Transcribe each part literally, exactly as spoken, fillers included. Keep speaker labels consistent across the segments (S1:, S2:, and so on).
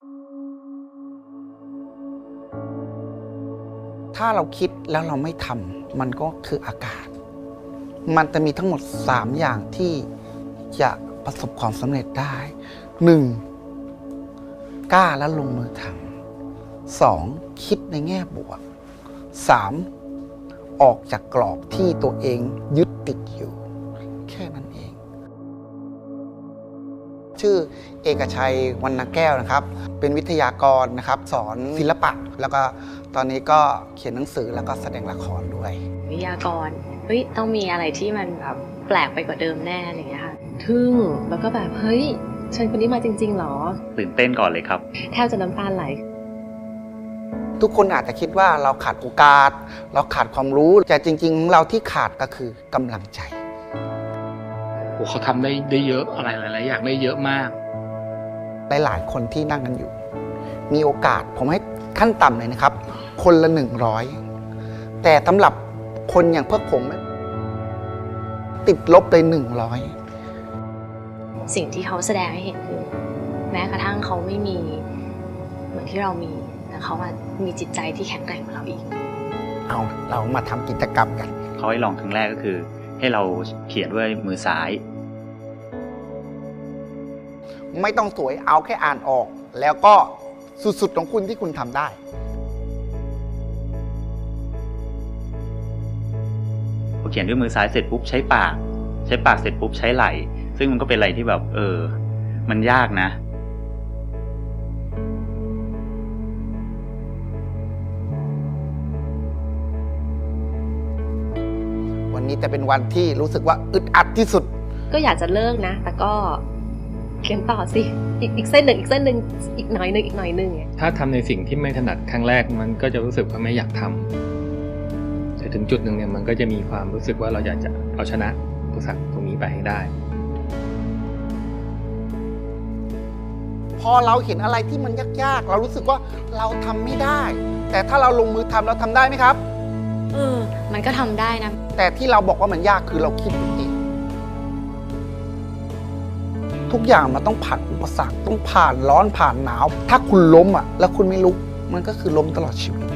S1: ถ้าเราคิดแล้วเราไม่ทำมันก็คืออากาศมันจะมีทั้งหมดสามอย่างที่จะประสบความสำเร็จได้หนึ่งกล้าและลงมือทำสองคิดในแง่บวกสามออกจากกรอบที่ตัวเองยึดติดอยู่แค่นั้นเองชื่อเอกชัยวรรณแก้วนะครับเป็นวิทยากรนะครับสอนศิลปะแล้วก็ตอนนี้ก็เขียนหนังสือแล้วก็แสดงละครด้วย
S2: วิทยากรเฮ้ยต้องมีอะไรที่มันแบบแปลกไปกว่าเดิมแน่อะไรอย่างเงี้ยค่ะทึ่งแล้วก็แบบเฮ้ยฉันคนนี้มาจริงๆหรอ
S3: ตื่นเต้นก่อนเลยครับ
S2: แทบจะน้ำตาไหล
S1: ทุกคนอาจจะคิดว่าเราขาดโอกาสเราขาดความรู้แต่จริงๆเราที่ขาดก็คือกำลังใจ
S4: โอ้เขาทำได้ได้เยอะอะไรหลายๆอย่างได้เยอะมาก
S1: หลายๆคนที่นั่งกันอยู่มีโอกาสผมให้ขั้นต่ำเลยนะครับคนละหนึ่งร้อยแต่สำหรับคนอย่างพวกผมติดลบเลยหนึ่งร้อย
S2: สิ่งที่เขาแสดงให้เห็นคือแม้กระทั่งเขาไม่มีเหมือนที่เรามีแต่เขามีจิตใจที่แข็งแกร่งกว่าเราอีก
S1: เอาเรามาทำกิจกรรมกัน
S3: เขาให้ลองครั้งแรกก็คือให้เราเขียนด้วยมือซ้าย
S1: ไม่ต้องสวยเอาแค่อ่านออกแล้วก็สุดๆของคุณที่คุณทำได้
S3: พอเขียนด้วยมือซ้ายเสร็จปุ๊บใช้ปากใช้ปากเสร็จปุ๊บใช้ไหล่ซึ่งมันก็เป็นอะไรที่แบบเออมันยากนะ
S1: วันนี้จะเป็นวันที่รู้สึกว่าอึดอัดที่สุด
S2: ก็อยากจะเลิกนะแต่ก็เขียนต่อสิอีกอีกเส้นหนึ่งอีกเส้นหนึ่งอีกหน่อยหนึ่งอีกหน่อยหนึ่ง
S4: ถ้าทำในสิ่งที่ไม่ถนัดครั้งแรกมันก็จะรู้สึกว่าไม่อยากทำแต่ถึงจุดหนึ่งเนี่ยมันก็จะมีความรู้สึกว่าเราอยากจะเอาชนะอุปสรรคตรงนี้ไปให้ได้
S1: พอเราเห็นอะไรที่มันยากๆเรารู้สึกว่าเราทำไม่ได้แต่ถ้าเราลงมือทำเราทำได้ไหมครับ
S2: เออมันก็ทำได้นะ
S1: แต่ที่เราบอกว่ามันยากคือเราคิดเองทุกอย่างมันต้องผ่านอุปสรรคต้องผ่านร้อนผ่านหนาวถ้าคุณล้มอ่ะแล้วคุณไม่ลุกมันก็คือล้มตลอดชีวิต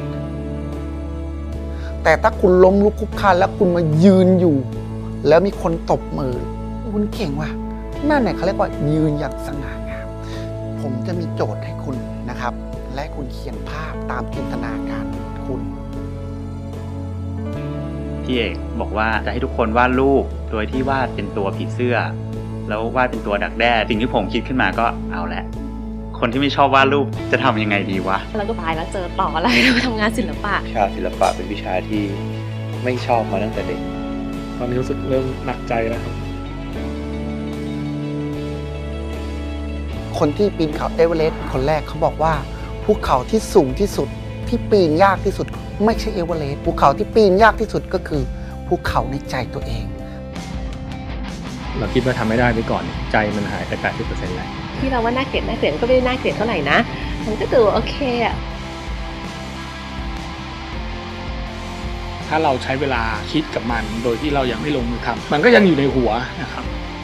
S1: แต่ถ้าคุณล้มลุกคลุกคลานแล้วคุณมายืนอยู่แล้วมีคนตบมือคุณเก่งว่ะนั่นเนี่ยเขาเรียกว่ายืนอย่างสง่างามผมจะมีโจทย์ให้คุณนะครับและคุณเขียนภาพตามจินตนาการคุณ
S3: พี่เอกบอกว่าจะให้ทุกคนวาดรูปโดยที่วาดเป็นตัวผีเสื้อแล้ววาดเป็นตัวดักแด้สิ่งที่ผมคิดขึ้นมาก็เอาละคนที่ไม่ชอบวาดรูปจะทำยังไงดีวะ
S2: แล้วก็ตายแล้วเจอต่ออะไรเราทำงานศิลปะ
S5: วิชาศิลปะเป็นวิชาที่ไม่ชอบมาตั้งแต่เด็ก
S4: ตอนนี้รู้สึกเริ่มหนักใจแล้วครับ
S1: คนที่ปีนเขาเอเวอเรสต์คนแรกเขาบอกว่าภูเขาที่สูงที่สุดที่ปีนยากที่สุดไม่ใช่เอเวอเรสต์ภูเขาที่ปีนยากที่สุดก็คือภูเขาในใจตัวเอง
S4: เราคิดว่าทำไม่ได้ไปก่อนใจมันหายไป แปดสิบเปอร์เซ็นต์ แล้ว
S2: ที่เราว่าน่าเกลียดน่าเกลียดก็ไม่ได้น่าเกลียดเท่าไหร่นะมันก็ดูโอเคอะ
S4: ถ้าเราใช้เวลาคิดกับมันโดยที่เรายังไม่ลงมือทำมันก็ยังอยู่ในหัวนะครับ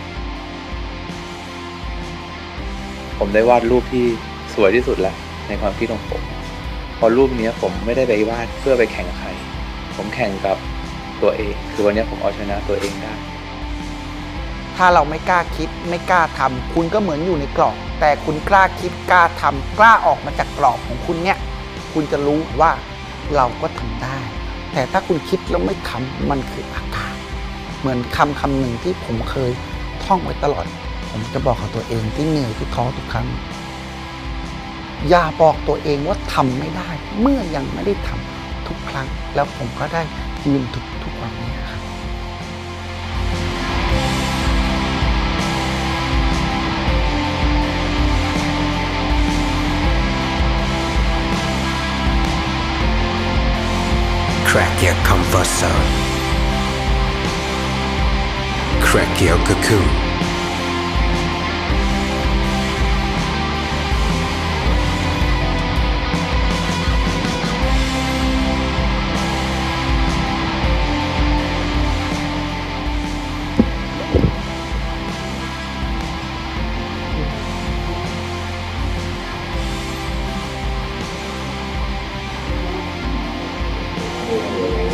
S5: ผมได้วาดรูปที่สวยที่สุดแล้วในความคิดของผมพอรูปนี้ผมไม่ได้ไปวาดเพื่อไปแข่งใครผมแข่งกับตัวเองคือวันนี้ผมเอาชนะตัวเองได้
S1: ถ้าเราไม่กล้าคิดไม่กล้าทำคุณก็เหมือนอยู่ในกรอบแต่คุณกล้าคิดกล้าทำกล้าออกมาจากกรอบของคุณเนี่ยคุณจะรู้ว่าเราก็ทำได้แต่ถ้าคุณคิดแล้วไม่ทำมันคืออากาศเหมือนคำคำหนึ่งที่ผมเคยท่องไว้ตลอดผมจะบอกกับตัวเองที่เหนื่อยที่ท้อทุกครั้งอย่าบอกตัวเองว่าทำไม่ได้เมื่อยังไม่ได้ทำทุกครั้งแล้วผมก็ได้ยืนทุกทุกวันนี้ครับ
S6: Crack your comfort zone. Crack your cocoon.
S2: อะไร